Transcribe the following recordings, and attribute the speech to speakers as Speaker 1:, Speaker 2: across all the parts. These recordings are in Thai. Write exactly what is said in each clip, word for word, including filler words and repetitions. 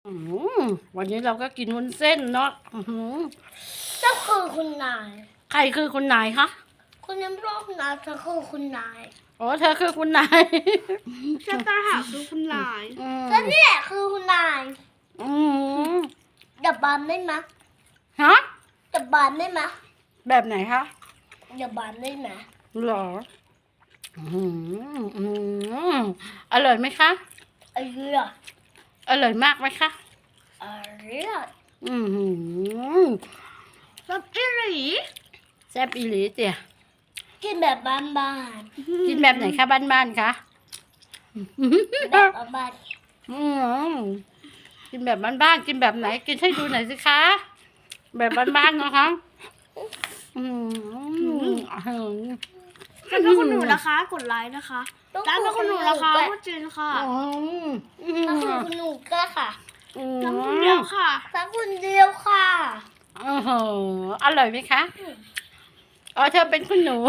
Speaker 1: อืมวันนี้เราก็กินวุ้นเส้นเนาะอื้อหือ
Speaker 2: เจ้าคือคุณนาย
Speaker 1: ใครคือคุณนายคะ
Speaker 2: คุณยังรอบนะเธอคือคุณนาย
Speaker 1: อ๋อเธอคือคุณนาย
Speaker 3: ชะตาหาคือคุณนาย
Speaker 1: อืม
Speaker 2: แล้วนี่แหละคือคุณนาย
Speaker 1: อืม
Speaker 2: ดับบานได้ไหม
Speaker 1: ฮะ
Speaker 2: ดับบานได้ไหม
Speaker 1: แบบไหนคะ
Speaker 2: ดับบานได้ไหม
Speaker 1: หรออืมอืมอร่อยไหมคะ
Speaker 2: อร่อย
Speaker 1: อร่อยมากไหมคะ
Speaker 2: อร่อย
Speaker 1: อืมหืม
Speaker 3: รับอิหลี
Speaker 1: แซ่บอีหลีเตี่ย
Speaker 2: กินแบบบ้าน
Speaker 1: กินแบบไหนคะบ้านๆคะ
Speaker 2: ๆแบบบ้าน
Speaker 1: อืมกินแบบบ้านๆกินแบบไหน กินให้ดูหน่อยสิคะ แบบบ้านๆนะคะอืม
Speaker 3: ถ้าเป็นคุณหนูนะคะ กดไลค์นะคะ
Speaker 2: ๆต้อง
Speaker 3: ถ้าเป็นคุณหนูนะคะพูดจริงค่ะ
Speaker 1: อืมอื
Speaker 2: ถ้าคือ
Speaker 1: ม
Speaker 2: คุณหนูก็ค่ะ
Speaker 1: อืม
Speaker 3: น้ำคนเดียวค่ะ
Speaker 2: ถ้าคุณเดียวค่ะ
Speaker 1: โอ้โหอร่อยไหมคะ อ๋อเธอเป็นคุณหนู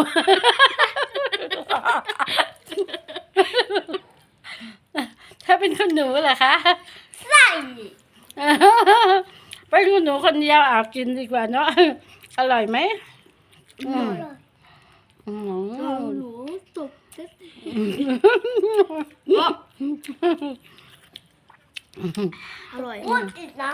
Speaker 1: เธอเป็นคุณหนูเหรอคะ
Speaker 2: ใส่
Speaker 1: เป็นคุณหนูคนเดียวอาบกินดีกว่าเนาะ อร่อยไหมอืมอืม
Speaker 3: หนูตบเซ็ตอร่อย
Speaker 2: พูดอีกนะ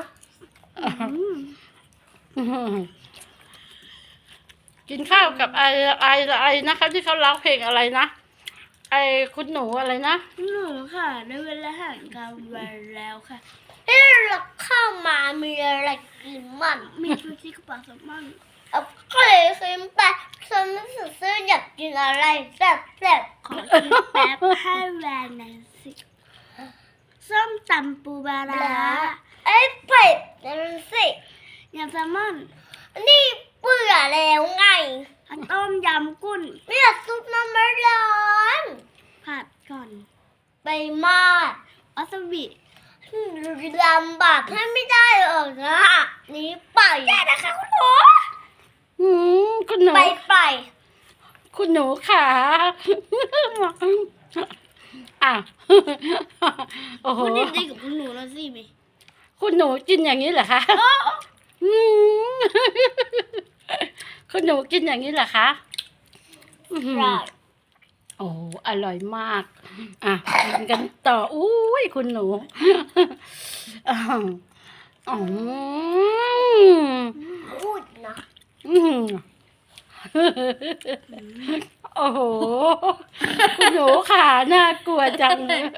Speaker 1: กินข้าวกับไอไอไอนะคะที่เขาร้องเพลงอะไรนะ ไอคุณหนูอะไรนะ
Speaker 3: หนูค่ะได้เวลาอาหารกลางวันแล้วค่ะ
Speaker 2: เอ๊ะเราเข้ามามีอะไรกินมั่ง
Speaker 3: มีชูชีกระเป๋าแซลมอน
Speaker 2: เอาไข่เค็มไปฉันรู้สึกว่าอยากกินอะไรแซ่บแซ่บ
Speaker 3: ขอกินแป๊บให้แวนหน่อยสิส้มตำปูปลา
Speaker 2: ๆ
Speaker 3: ร้า
Speaker 2: แล้วไอ้เผ็ดนั่นสิ
Speaker 3: ยำแซลมอน
Speaker 2: นี่เบื่อแล้วไง
Speaker 3: ต้มยำกุ้ง
Speaker 2: ไม่อยากซุปน้ำมันร้อน
Speaker 3: ผัดก่อน
Speaker 2: ไปมาก
Speaker 3: วาซาบิ
Speaker 2: ลำบากให้ไม่ได้หรอกนะนี่ไปแย่นะคะคุณหนู
Speaker 1: อืมคุณหนู
Speaker 2: ไปไป
Speaker 1: คุณหนูค่ะ อ่ะ โอ้โห
Speaker 3: พูดดีๆกับคุณหนูหน่อยสิมิ
Speaker 1: คุณหนูกินอย่างนี้เหรอคะอืมคุณหนูกินอย่างนี้เหรอคะอื้อหือ
Speaker 2: ได้
Speaker 1: โอ้อร่อยมาก อ่ะกินกันต่อ อุ้ยคุณหนูอ๋ออ๋อ
Speaker 2: พูดนะ
Speaker 1: อืมโอ้โห คุณหนูขาน่ากลัวจังเลย